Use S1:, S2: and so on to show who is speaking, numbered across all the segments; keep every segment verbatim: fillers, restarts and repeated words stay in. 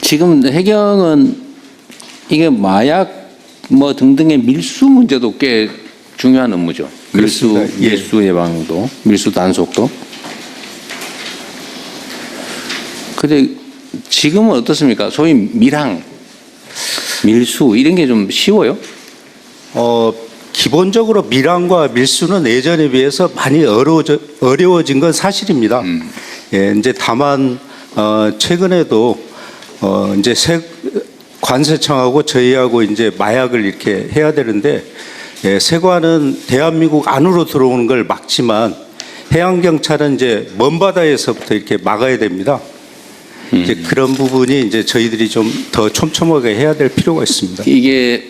S1: 지금 해경은 이게 마약 뭐 등등의 밀수 문제도 꽤 중요한 업무죠. 밀수,
S2: 그렇습니다. 예.
S1: 밀수 예방도, 밀수 단속도. 근데 지금은 어떻습니까? 소위 밀항, 밀수 이런 게 좀 쉬워요?
S2: 어, 기본적으로 밀항과 밀수는 예전에 비해서 많이 어려워져, 어려워진 건 사실입니다.
S1: 음.
S2: 예, 이제 다만 어, 최근에도 어, 이제 세, 관세청하고 저희하고 이제 마약을 이렇게 해야 되는데, 예, 세관은 대한민국 안으로 들어오는 걸 막지만 해양경찰은 이제 먼 바다에서부터 이렇게 막아야 됩니다.
S1: 음.
S2: 이제 그런 부분이 이제 저희들이 좀 더 촘촘하게 해야 될 필요가 있습니다.
S1: 이게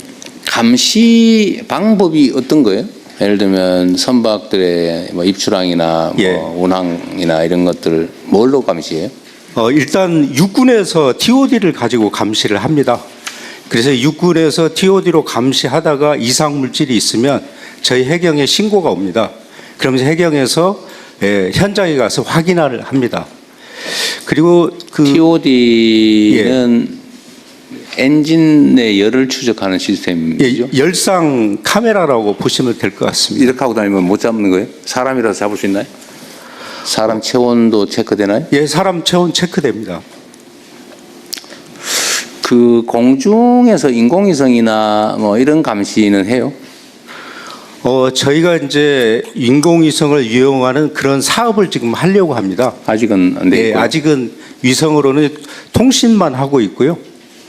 S1: 감시 방법이 어떤 거예요? 예를 들면 선박들의 뭐 입출항이나 뭐
S2: 예.
S1: 운항이나 이런 것들을 뭘로 감시해요?
S2: 어, 일단 육군에서 티오디를 가지고 감시를 합니다. 그래서 육군에서 티오디로 감시하다가 이상 물질이 있으면 저희 해경에 신고가 옵니다. 그러면서 해경에서 예, 현장에 가서 확인을 합니다. 그리고 그
S1: 티오디는 엔진의 열을 추적하는 시스템이죠.
S2: 예, 열상 카메라라고 보시면 될 것 같습니다.
S1: 이렇게 하고 다니면 못 잡는 거예요? 사람이라도 잡을 수 있나요? 사람 체온도 체크되나요?
S2: 예, 사람 체온 체크됩니다.
S1: 그 공중에서 인공위성이나 뭐 이런 감시는 해요?
S2: 어, 저희가 이제 인공위성을 이용하는 그런 사업을 지금 하려고 합니다.
S1: 아직은 안
S2: 네,
S1: 되고.
S2: 아직은 위성으로는 통신만 하고 있고요.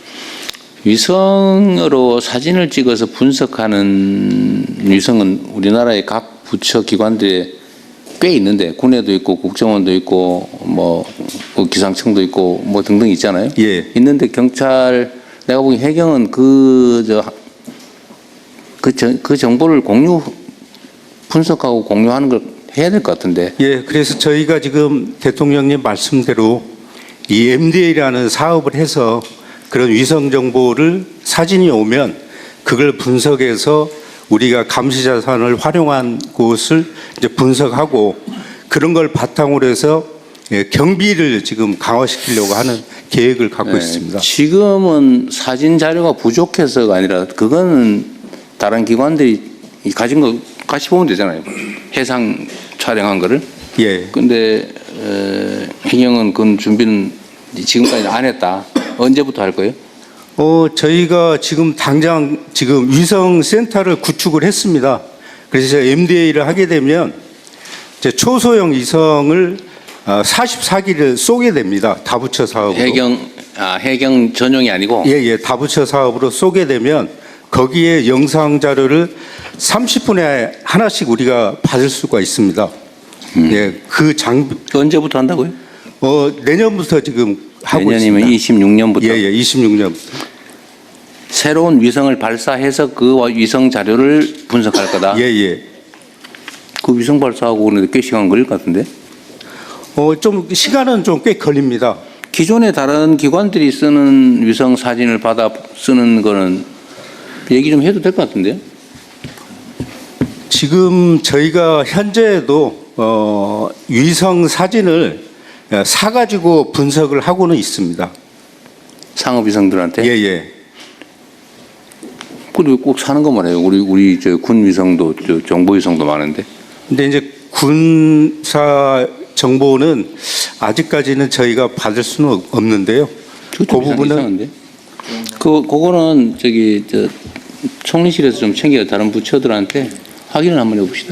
S1: 위성으로 사진을 찍어서 분석하는 위성은 우리나라의 각 부처 기관들에 꽤 있는데 군에도 있고 국정원도 있고 뭐 기상청도 있고 뭐 등등 있잖아요.
S2: 예.
S1: 있는데 경찰 내가 보기 해경은 그 저 그 그 정보를 공유 분석하고 공유하는 걸 해야 될 것 같은데.
S2: 예, 그래서 저희가 지금 대통령님 말씀대로 이 엠디에이라는 사업을 해서 그런 위성 정보를 사진이 오면 그걸 분석해서 우리가 감시 자산을 활용한 곳을 이제 분석하고 그런 걸 바탕으로 해서 예, 경비를 지금 강화시키려고 하는 계획을 갖고
S1: 네,
S2: 있습니다.
S1: 지금은 사진 자료가 부족해서가 아니라 그거는 다른 기관들이 가진 거 같이 보면 되잖아요. 해상 촬영한 거를.
S2: 예.
S1: 근데 어, 해경은 그건 준비는 지금까지 안 했다. 언제부터 할 거예요?
S2: 어, 저희가 지금 당장 지금 위성 센터를 구축을 했습니다. 그래서 엠디에이를 하게 되면 이제 초소형 위성을 사십사 기를 쏘게 됩니다. 다부처 사업으로.
S1: 해경 아 해경 전용이 아니고.
S2: 예, 예. 다부처 사업으로 쏘게 되면 거기에 영상 자료를 삼십 분에 하나씩 우리가 받을 수가 있습니다.
S1: 음.
S2: 예, 그 장비
S1: 언제부터 한다고요?
S2: 어, 내년부터 지금 하고
S1: 내년이면
S2: 있습니다.
S1: 이십육 년부터.
S2: 예, 예. 이십육 년.
S1: 새로운 위성을 발사해서 그 위성 자료를 분석할 거다.
S2: 예, 예.
S1: 그 위성 발사하고 오는데 꽤 시간 걸릴 것 같은데.
S2: 어, 좀 시간은 좀 꽤 걸립니다.
S1: 기존에 다른 기관들이 쓰는 위성 사진을 받아 쓰는 거는 얘기 좀 해도 될 것 같은데요.
S2: 지금 저희가 현재도 어, 위성 사진을 사가지고 분석을 하고는 있습니다.
S1: 상업 위성들한테.
S2: 예, 예.
S1: 그리고 꼭 사는 것만 해요. 우리 우리 저 군 위성도 저 정보 위성도 많은데.
S2: 근데 이제 군사 정보는 아직까지는 저희가 받을 수는 없는데요. 그 부분은
S1: 이상한데. 그 그거는 저기 저 총리실에서 좀 챙겨 다른 부처들한테 확인을 한번 해봅시다.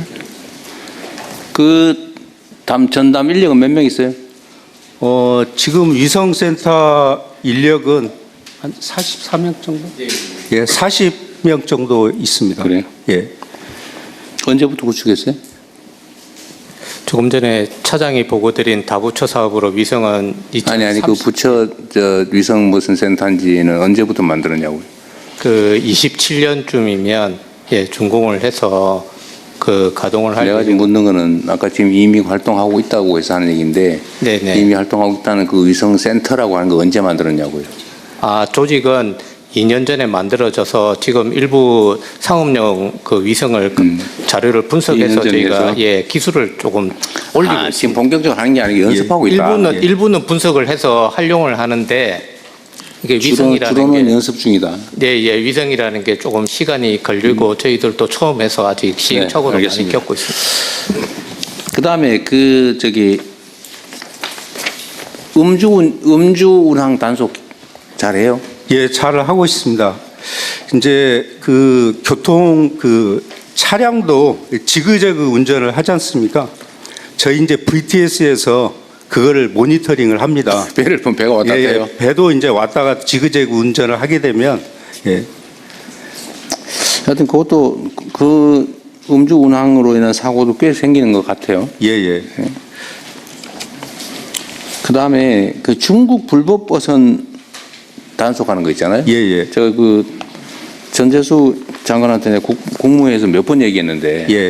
S1: 그 담 전담 인력은 몇 명 있어요?
S2: 어, 지금 위성센터 인력은 한 사십사 명 정도? 예, 사십 명 정도 있습니다.
S1: 그래요?
S2: 예.
S1: 언제부터 구축했어요?
S3: 조금 전에 차장이 보고드린 다부처 사업으로 위성은
S1: 아니 아니 그 부처 저 위성 무슨 센터인지는 언제부터 만들었냐고요?
S3: 그 이십칠 년쯤이면 예 준공을 해서 그 가동을 할
S1: 내가 지금 묻는 거는 아까 지금 이미 활동하고 있다고 해서 하는 얘기인데
S3: 네네.
S1: 이미 활동하고 있다는 그 위성 센터라고 하는 거 언제 만들었냐고요?
S3: 아 조직은 이 년 전에 만들어져서 지금 일부 상업용 그 위성을 그
S1: 음.
S3: 자료를 분석해서
S1: 이 년 전에
S3: 저희가
S1: 해서?
S3: 예 기술을 조금 올리고
S1: 아,
S3: 있습니다.
S1: 지금 본격적으로 하는 게 아니고 연습하고 있다.
S3: 일부는
S2: 예.
S3: 일부는 분석을 해서 활용을 하는데 이게
S1: 주로,
S3: 위성이라는
S1: 주로는
S3: 게
S1: 연습 중이다.
S3: 네, 예, 위성이라는 게 조금 시간이 걸리고
S1: 음.
S3: 저희들도 처음 해서 아직 시행착오를
S1: 네,
S3: 많이
S1: 알겠습니다.
S3: 겪고 있습니다.
S1: 그 다음에 그 저기 음주 운- 음주 운항 단속 잘해요?
S2: 예, 잘 하고 있습니다. 이제 그 교통 그 차량도 지그재그 운전을 하지 않습니까? 저희 이제 브이티에스에서 그거를 모니터링을 합니다.
S1: 배를 보면 배가 왔다
S2: 예,
S1: 갔다 해요.
S2: 예, 배도 이제 왔다가 지그재그 운전을 하게 되면 예,
S1: 하여튼 그것도 그 음주 운항으로 인한 사고도 꽤 생기는 것 같아요.
S2: 예, 예.
S1: 그 다음에 그 중국 불법 버선 단속하는 거 있잖아요.
S2: 예, 예.
S1: 저 그 전재수 장관한테 내가 국, 국무회에서 몇 번 얘기했는데,
S2: 예.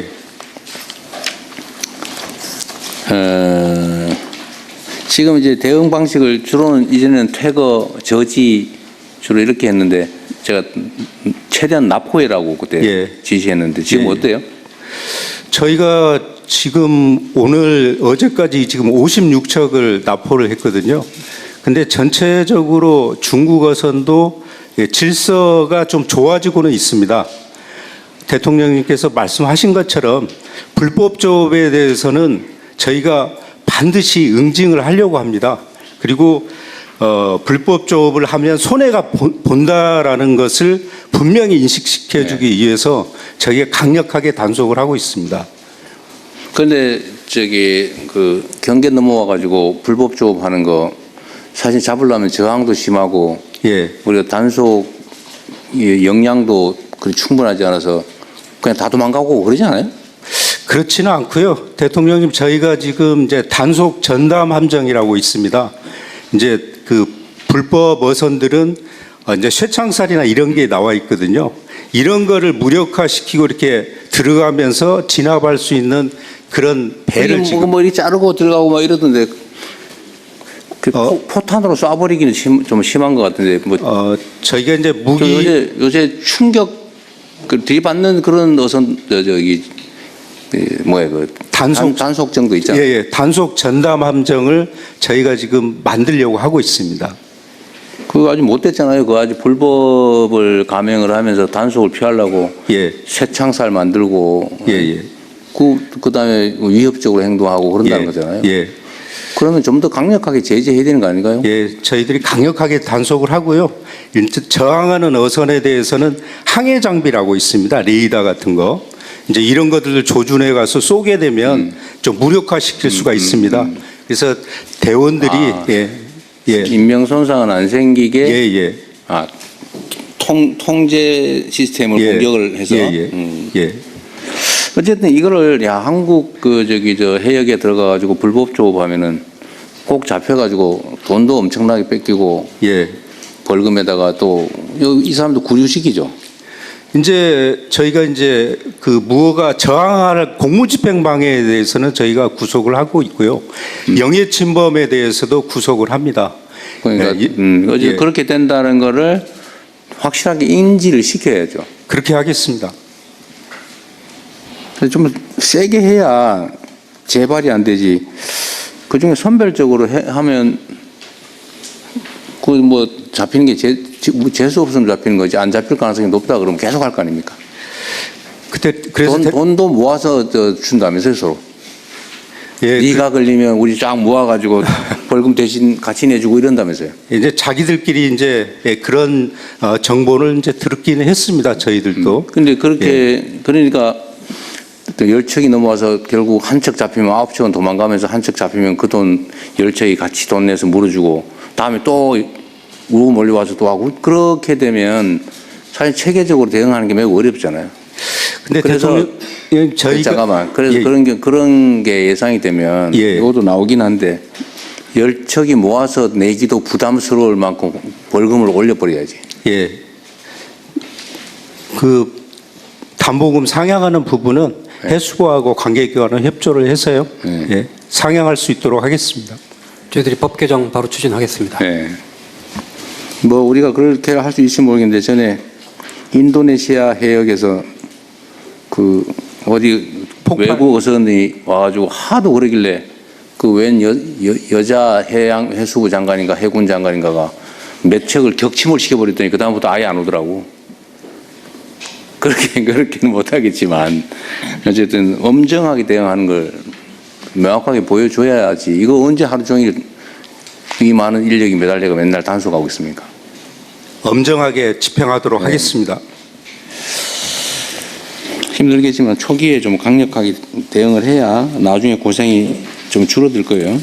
S1: 어, 지금 이제 대응 방식을 주로는 이제는 퇴거, 저지 주로 이렇게 했는데 제가 최대한 납포해라고 그때
S2: 예.
S1: 지시했는데 지금
S2: 예, 예.
S1: 어때요?
S2: 저희가 지금 오늘 어제까지 지금 오십육 척을 납포를 했거든요. 근데 전체적으로 중국 어선도 예, 질서가 좀 좋아지고는 있습니다. 대통령님께서 말씀하신 것처럼 불법 조업에 대해서는 저희가 반드시 응징을 하려고 합니다. 그리고 어, 불법 조업을 하면 손해가 본- 본다라는 것을 분명히 인식시켜주기 위해서 저희가 강력하게 단속을 하고 있습니다.
S1: 그런데 저기 그 경계 넘어와 가지고 불법 조업하는 거 사실 잡으려면 저항도 심하고
S2: 예,
S1: 우리가 단속 역량도 그리 충분하지 않아서 그냥 다 도망가고 그러지 않아요?
S2: 그렇지는 않고요. 대통령님 저희가 지금 이제 단속 전담 함정이라고 있습니다. 이제 그 불법 어선들은 어, 이제 쇠창살이나 이런 게 나와 있거든요. 이런 거를 무력화시키고 이렇게 들어가면서 진압할 수 있는 그런 배를
S1: 뭐,
S2: 지금
S1: 뭐 이렇게 자르고 들어가고 막 이러던데 그
S2: 어.
S1: 포, 포탄으로 쏴버리기는 심, 좀 심한 것 같은데 뭐
S2: 어, 저희가 이제
S1: 저
S2: 무기
S1: 요새 요새 충격 그 들이받는 그런 어선 저, 저기 그 뭐야 그
S2: 단속-
S1: 단, 단속정도 있잖아.
S2: 예, 예, 단속 전담 함정을 저희가 지금 만들려고 하고 있습니다.
S1: 그거 아직 못 됐잖아요. 그거 아직 불법을 감행을 하면서 단속을 피하려고
S2: 예,
S1: 쇠창살 만들고
S2: 예, 예.
S1: 그 그다음에 위협적으로 행동하고 그런다는
S2: 예,
S1: 거잖아요.
S2: 예,
S1: 그러면 좀 더 강력하게 제재해야 되는 거 아닌가요?
S2: 예, 저희들이 강력하게 단속을 하고요. 일단 저항하는 어선에 대해서는 항해 장비라고 있습니다. 레이더 같은 거. 이제 이런 것들을 조준해 가서 쏘게 되면
S1: 음.
S2: 좀 무력화시킬 수가 있습니다. 그래서 대원들이
S1: 아.
S2: 예, 예,
S1: 인명 손상은 안 생기게
S2: 예, 예,
S1: 아, 통 통제 시스템을
S2: 예,
S1: 공격을 해서
S2: 예, 예,
S1: 음.
S2: 예,
S1: 어쨌든 이거를 야 한국 그 저기 저 해역에 들어가 가지고 불법 조업하면은 꼭 잡혀 가지고 돈도 엄청나게 뺏기고
S2: 예.
S1: 벌금에다가 또 이 사람도 구류시키죠.
S2: 이제 저희가 이제 그 무허가 저항할 공무집행방해에 대해서는 저희가 구속을 하고 있고요. 영해침범에 대해서도 구속을 합니다.
S1: 그러니까
S2: 예,
S1: 음, 어제
S2: 예.
S1: 그렇게 된다는 거를 확실하게 인지를 시켜야죠.
S2: 그렇게 하겠습니다.
S1: 그래서 좀 세게 해야 재발이 안 되지. 그 중에 선별적으로 해, 하면 그 뭐 잡히는 게 재, 재수 없으면 잡히는 거지 안 잡힐 가능성이 높다 그러면 계속 할 거 아닙니까?
S2: 그때 그래서
S1: 돈,
S2: 대-
S1: 돈도 모아서 저 준다면서요 서로.
S2: 예,
S1: 네가 걸리면 우리 쫙 모아가지고 벌금 대신 같이 내주고 이런다면서요.
S2: 그 이제 자기들끼리 이제 예, 그런 어, 정보를 이제 들었기는 했습니다. 저희들도.
S1: 근데 그렇게 그러니까 또 열 척이 넘어와서 결국 한 척 잡히면 아홉 척은 도망가면서 한 척 잡히면 그 돈 열 척이 같이 돈 내서 물어주고 다음에 또 우고 몰려와서 또 하고 그렇게 되면 사실 체계적으로 대응하는 게 매우 어렵잖아요.
S2: 근데
S1: 그래서
S2: 대통령 예, 저희가
S1: 잠깐만 그래서
S2: 예,
S1: 그런 게 그런 게 예상이 되면
S2: 예.
S1: 이것도 나오긴 한데 열 척이 모아서 내기도 부담스러울 만큼 벌금을 올려버려야지.
S2: 예. 그 담보금 상향하는 부분은 해수부하고 관계기관은 협조를 해서요.
S1: 네.
S2: 예, 상향할 수 있도록 하겠습니다.
S4: 저희들이 법 개정 바로 추진하겠습니다.
S1: 네. 뭐 우리가 그렇게 할 수 있을지 모르겠는데 전에 인도네시아 해역에서 그 어디
S2: 폭발.
S1: 외국 어선이 와가지고 하도 그러길래 그 웬 여, 여, 여자 해양 해수부 장관인가 해군 장관인가가 몇 척을 격침을 시켜버렸더니 그다음부터 아예 안 오더라고. 그렇게, 그렇게는 못하겠지만, 어쨌든 엄정하게 대응하는 걸 명확하게 보여줘야지. 이거 언제 하루 종일 이 많은 인력이 매달려가 맨날 단속하고 있습니까?
S2: 엄정하게 집행하도록
S1: 네.
S2: 하겠습니다.
S1: 힘들겠지만 초기에 좀 강력하게 대응을 해야 나중에 고생이 좀 줄어들 거예요.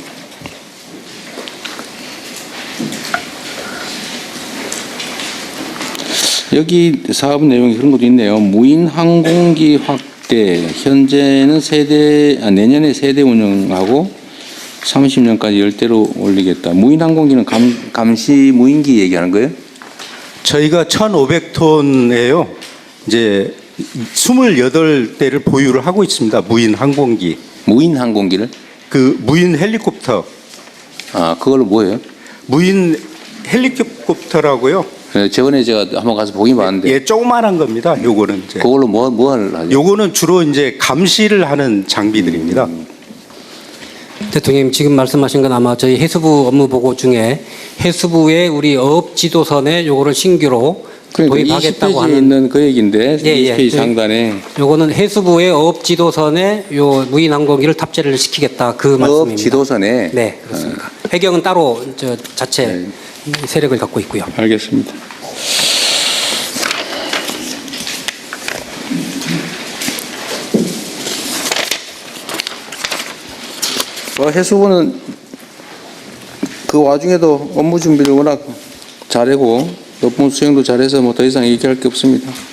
S1: 여기 사업 내용이 그런 것도 있네요. 무인 항공기 확대. 현재는 세대, 아, 내년에 세대 운영하고 삼십 년까지 열 대로 올리겠다. 무인 항공기는 감, 감시 무인기 얘기하는 거예요?
S2: 저희가 천오백 톤에요. 이제 이십팔 대를 보유를 하고 있습니다. 무인 항공기.
S1: 무인 항공기를?
S2: 그 무인 헬리콥터.
S1: 아, 그걸로 뭐예요?
S2: 무인 헬리콥터라고요.
S1: 네, 저번에 제가 한번 가서 보긴 봤는데.
S2: 예, 조그만한 겁니다. 요거는 이제.
S1: 그걸로 뭐, 뭐 하죠?
S2: 요거는 주로 이제 감시를 하는 장비들입니다.
S4: 대통령님 지금 말씀하신 건 아마 저희 해수부 업무 보고 중에 해수부의 우리 어업 지도선에 요거를 신규로
S1: 그러니까
S4: 도입하겠다고
S1: 이십 페이지에
S4: 하는
S1: 있는 그 얘기인데
S4: 예, 예.
S1: 이십 페이지
S4: 저희-
S1: 상단에
S4: 요거는 해수부의 어업 지도선에 요 무인 항공기를 탑재를 시키겠다 그
S1: 업
S4: 말씀입니다.
S1: 지도선에
S4: 네, 그렇습니다. 해경은 따로 저 자체
S1: 네.
S4: 세력을 갖고 있고요.
S1: 알겠습니다. 어, 해수부는 그 와중에도 업무 준비를 워낙 잘하고 업무 수행도 잘해서 뭐 더 이상 얘기할 게 없습니다.